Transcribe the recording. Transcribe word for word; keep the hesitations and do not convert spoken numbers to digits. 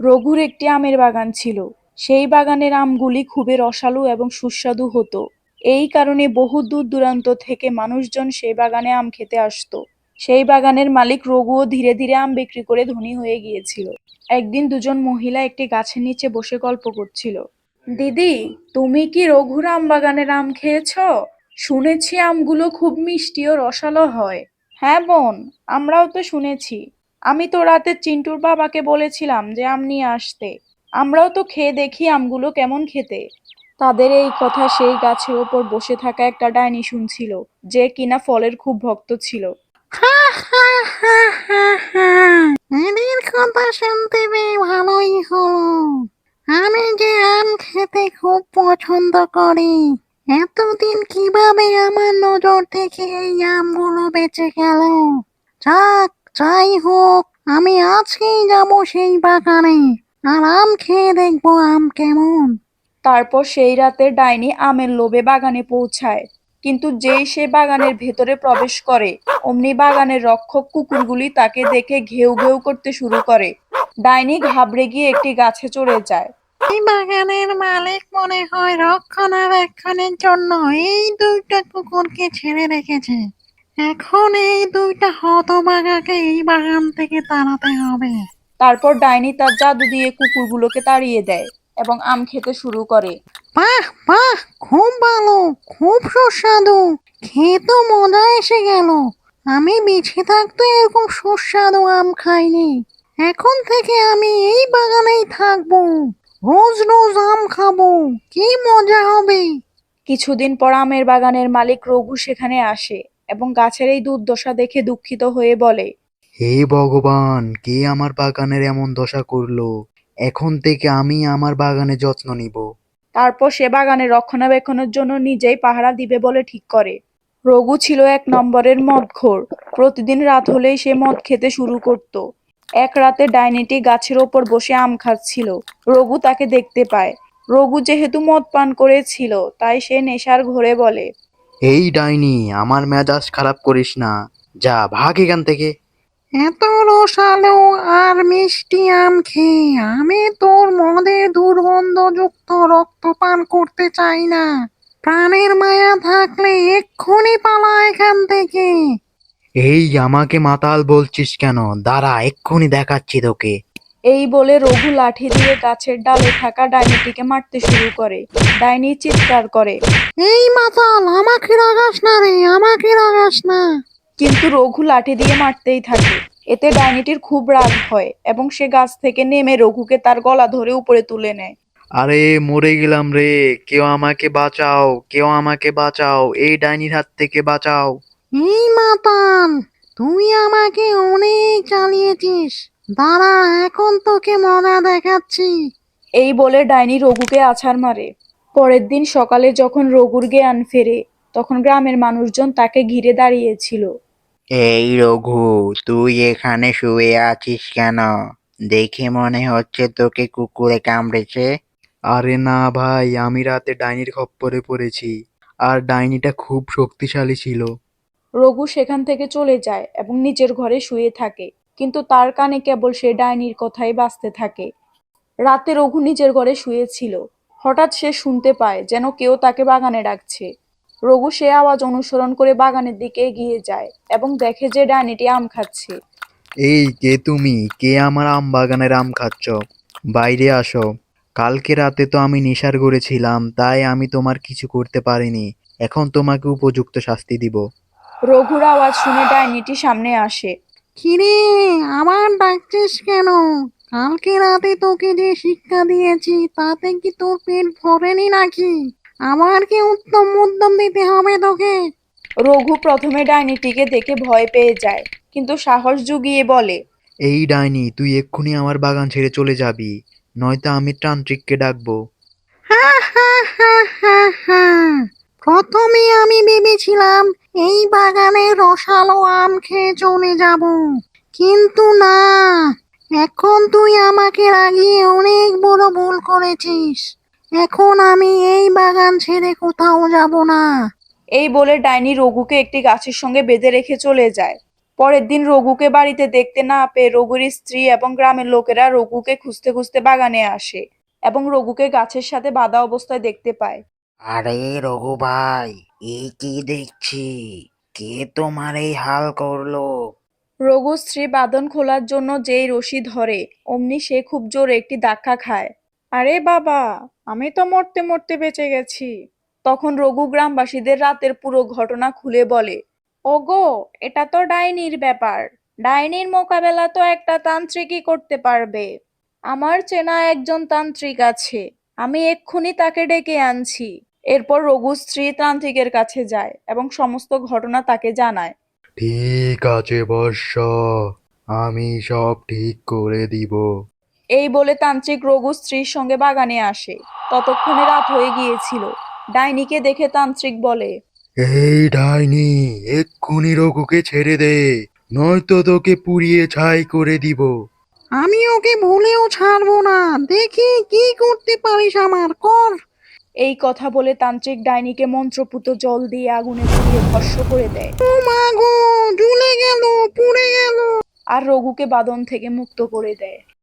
রঘুর একটি আমের বাগান ছিল। সেই বাগানের আমগুলি খুবই রসালো এবং সুস্বাদু হতো। এই কারণে বহু দূর দূরান্ত থেকে মানুষজন সেই বাগানে আম খেতে আসতো। সেই বাগানের মালিক রঘুও ধীরে ধীরে আম বিক্রি করে ধনী হয়ে গিয়েছিল। একদিন দুজন মহিলা একটি গাছের নিচে বসে গল্প করছিল। দিদি, তুমি কি রঘুর আম বাগানের আম খেয়েছো? শুনেছি আমগুলো খুব মিষ্টি ও রসালো হয়। হ্যাঁ বোন, আমরাও তো শুনেছি। আমি তো রাতে চিন্টুর বাবাকে বলেছিলাম যে আম নিয়ে আসতে। আমরাও তো খেয়ে দেখি আমগুলো কেমন খেতে। তাদের এই কথা সেই গাছের ওপর বসে থাকা একটা ডাইনি শুনছিল, যে কিনা ফলের খুব ভক্ত ছিল। হা হা হা হা হা এদের কথা শুনতে পেয়ে ভালোই হলো। আমি যে আম খেতে খুব পছন্দ করি, এতদিন কিভাবে আমার নজর থেকে এই আমগুলো বেঁচে গেল। যাক, যাই হোক, আমি আজকেই যাব সেই বাগানে, আর আম খেয়ে দেখবো আম কেমন। তারপর সেই রাতে ডাইনি আমের লোভে বাগানে পৌঁছায়। কিন্তু যেই সে বাগানের ভেতরে প্রবেশ করে, অমনি বাগানের রক্ষক কুকুরগুলি তাকে দেখে ঘেউ ঘেউ করতে শুরু করে। ডাইনি ঘাবড়ে গিয়ে একটি গাছে চড়ে যায়। এই বাগানের মালিক মনে হয় রক্ষণাবেক্ষণের জন্য এই দুইটা কুকুরকে ছেড়ে রেখেছে। এখন এই দুইটা হতভাগাকে এই বাগান থেকে তাড়াতে হবে। তারপর ডাইনি তার জাদু দিয়ে কুকুরগুলোকে তাড়িয়ে দেয় এবং আম খেতে শুরু করে। বাহ বাহ, খুব ভালো, খুব সুস্বাদু, খেয়ে তো মজা এসে গেল। আমি বেঁচে থাকতে এরকম সুস্বাদু আম খাইনি। এখন থেকে আমি এই বাগানেই থাকবো, রোজ রোজ আম খাবো, কি মজা হবে। কিছুদিন পর আমের বাগানের মালিক রঘু সেখানে আসে এবং গাছের এই দুর্দশা দেখে দুঃখিত হয়ে বলে, হে ভগবান, কে আমার বাগানের এমন দশা করলো? এখন থেকে আমি আমার বাগানে যত্ন নিব। তারপর সে বাগানের রক্ষণাবেক্ষণের জন্য নিজেই পাহারা দিবে বলে ঠিক করে। রঘু ছিল এক নম্বরের মদখোর। প্রতিদিন রাত হলেই সে মদ খেতে শুরু করত। এক রাতে ডাইনিটি গাছের ওপর বসে আম খাচ্ছিল। রঘু তাকে দেখতে পায়। রঘু যেহেতু মদ পান করেছিল, তাই সে নেশার ঘোরে বলে, এই ডাইনি, আমার মেজাজ খারাপ করিস না। যা, ভাগ এখান থেকে। এত রসালো আর মিষ্টি আম খেয়ে আমি তোর মদের দুর্গন্ধযুক্ত রক্ত পান করতে চাই না। প্রাণের মায়া থাকলে এক্ষুনি পালা এখান থেকে। এই, আমাকে মাতাল বলছিস কেন? দাঁড়া, এক্ষুনি দেখাচ্ছি তোকে। এই বলে রঘু লাঠি দিয়ে গাছের ডালে থাকা ডাইনিটিকে মারতে শুরু করে। ডাইনি চিৎকার করে, এই মাতাল, আমাকে রাগাস না রে, আমাকে রাগাস না। কিন্তু রঘু লাঠি দিয়ে মারতেই থাকে। এতে ডাইনিটির খুব রাগ হয় এবং সে গাছ থেকে নেমে রঘুকে তার গলা ধরে উপরে তুলে নেয়। আরে, মরে গেলাম রে! কেউ আমাকে বাঁচাও, কেউ আমাকে বাঁচাও, এই ডাইনির হাত থেকে বাঁচাও। এই মাতাল, তুই আমাকে অনেক জ্বালিয়েছিস, দাঁড়া এখন তোকে মজা দেখাচ্ছি। এই বলে ডাইনি রঘুকে আছাড় মারে। পরের দিন সকালে যখন রঘুর জ্ঞান ফেরে, তখন গ্রামের মানুষজন তাকে ঘিরে দাঁড়িয়েছিল। এই রঘু, তুই এখানে শুয়ে আছিস কেন? দেখে মনে হচ্ছে তোকে কুকুরে কামড়েছে। আরে না ভাই, আমি রাতে ডাইনির খপ্পরে পড়েছি। আর ডাইনিটা খুব শক্তিশালী ছিল। রঘু সেখান থেকে চলে যায় এবং নিজের ঘরে শুয়ে থাকে, কিন্তু তার কানে কেবল সে ডাইনির কথাই বাজতে থাকে। রাতে রঘু নিজের ঘরে শুয়েছিল। হঠাৎ সে শুনতে পায় যেন কেউ তাকে বাগানে ডাকছে। রঘু সে আওয়াজ অনুসরণ করে বাগানের দিকে এগিয়ে যায় এবং দেখে যে ডাইনিটি আম খাচ্ছে। এই, কে তুমি? কে আমার আম বাগানের আম খাচ্ছ? বাইরে আসো। কালকে রাতে তো আমি নেশার ঘরে ছিলাম, তাই আমি তোমার কিছু করতে পারিনি। এখন তোমাকে উপযুক্ত শাস্তি দিব। রঘুর আওয়াজ শুনে ডাইনিটি সামনে আসে। কিরে, আবার ডাকছিস কেন? কালকে রাতে তোকে যে শিক্ষা দিয়েছি তাতে কি তোর পেট ভরেনি নাকি? আবার কি উত্তম উদ্যম দিতে হবে তোকে? রঘু প্রথমে ডাইনিটিকে দেখে ভয় পেয়ে যায়, কিন্তু সাহস জুগিয়ে বলে, এই ডাইনি, তুই এক্ষুনি আমার বাগান ছেড়ে চলে যাবি, নয়তো আমি তান্ত্রিককে ডাকবো। হা হা হা হা হা, প্রথমে আমি ভেবেছিলাম এই বাগানে রসালো আম খেয়ে চলে যাব, কিন্তু না, এখন তুই আমাকে রাগিয়ে অনেক বড় ভুল করেছিস। এখন আমি এই বাগান ছেড়ে কোথাও যাব না। এই বলে ডাইনি রঘুকে একটি গাছের সঙ্গে বেঁধে রেখে চলে যায়। পরের দিন রঘুকে বাড়িতে দেখতে না পেয়ে রঘুর স্ত্রী এবং গ্রামের লোকেরা রঘুকে খুঁজতে খুঁজতে বাগানে আসে এবং রঘুকে গাছের সাথে বাঁধা অবস্থায় দেখতে পায়। আরে রঘু ভাই, এই কি দেখছি? কে তোমার এই হাল করলো? রঘু স্ত্রী বাঁধন খোলার জন্য যেই রশি ধরে অমনি সে খুব জোরে একটি ধাক্কা খায়। আরে বাবা, আমি তো মরতে মরতে বেঁচে গেছি। তখন রঘু গ্রামবাসীদের রাতের পুরো ঘটনা খুলে বলে। ওগো, এটা তো ডাইনির ব্যাপার। ডাইনির মোকাবেলা তো একটা তান্ত্রিকই করতে পারবে। আমার চেনা একজন তান্ত্রিক আছে, আমি এক্ষুনি তাকে ডেকে আনছি। এরপর রঘু স্ত্রী তান্ত্রিকের কাছে যায় এবং সমস্ত ঘটনা তাকে জানায়। ঠিক আছে বর্ষ, আমি সব ঠিক করে দিব। এই বলে তান্ত্রিক রঘু স্ত্রীর সঙ্গে বাগানে আসে। ততক্ষণে রাত হয়ে গিয়েছিল। ডাইনিকে দেখে তান্ত্রিক বলে, এই ডাইনি, এক্ষুনি রঘুকে ছেড়ে দে, নয়তো তোকে পুড়িয়ে ছাই করে দিব। আমি ওকে ভুলেও ছাড়বো না। দেখি কি করতে পারিস, আমার কর। এই কথা বলে তান্ত্রিক ডাইনিকে মন্ত্রপুত জল দিয়ে আগুনে পুড়িয়ে ভস্ম করে দেয় ও মা গো, জ্বলে গেল, পুড়ে গেল। আর রঘুকে বাঁধন থেকে মুক্ত করে দেয়।